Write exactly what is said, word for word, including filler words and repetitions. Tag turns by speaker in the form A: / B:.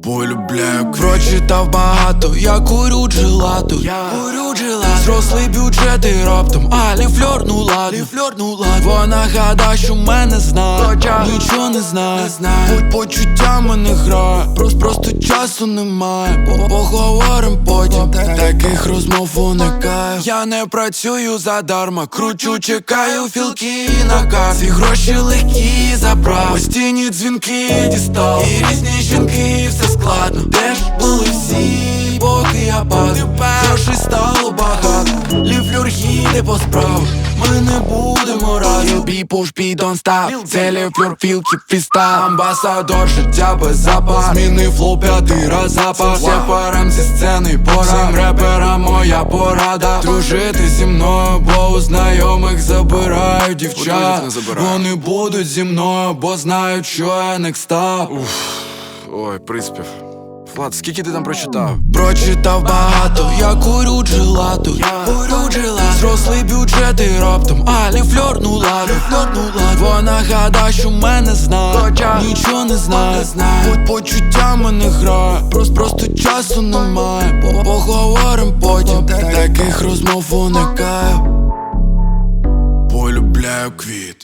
A: полюбляю. Прочитав багато, я курю джелату, курю джелату. Зрослий бюджет і раптом Алі фльорнула, фльорнула. Вона гадає, що мене знає, хоча нічого не знає. Будь почуттями не грає, просто, просто часу немає. Поговорим потім, таких розмов уникаю. Я не працюю задарма, кручу, чекаю філки на карті. Гроші легкі забрав, постійні дзвінки дістав. І різні жінки, все складно. Де ж були всі, поки я падав? Грошей стало багато, ліфлюр їде по справах. Ми не будемо разом. Бі пуш, бі don't stop. Це ліфлюр, філки, фістайл. Амбасадор, життя без запас. Змінив флоу п'ятий раз запас. Всім парам зі сцени пора. Всім реперам моя порада: дружити зі мною, бо у знайомих забирають дівчат. Вони будуть зі мною, бо знають, що я не став.
B: Ой, приспів. Влад, скільки ти там прочитав?
A: Прочитав багато, я курю джелату, курю джелату. Зрослий бюджет і раптом Алі фльорнула, фльорнула. Вона гадає, що мене знає, хоча нічого не знає. Будь почуттями не грає, просто, просто часу немає. Поговорим потім, таких розмов уникаю.
B: Полюбляю квіт.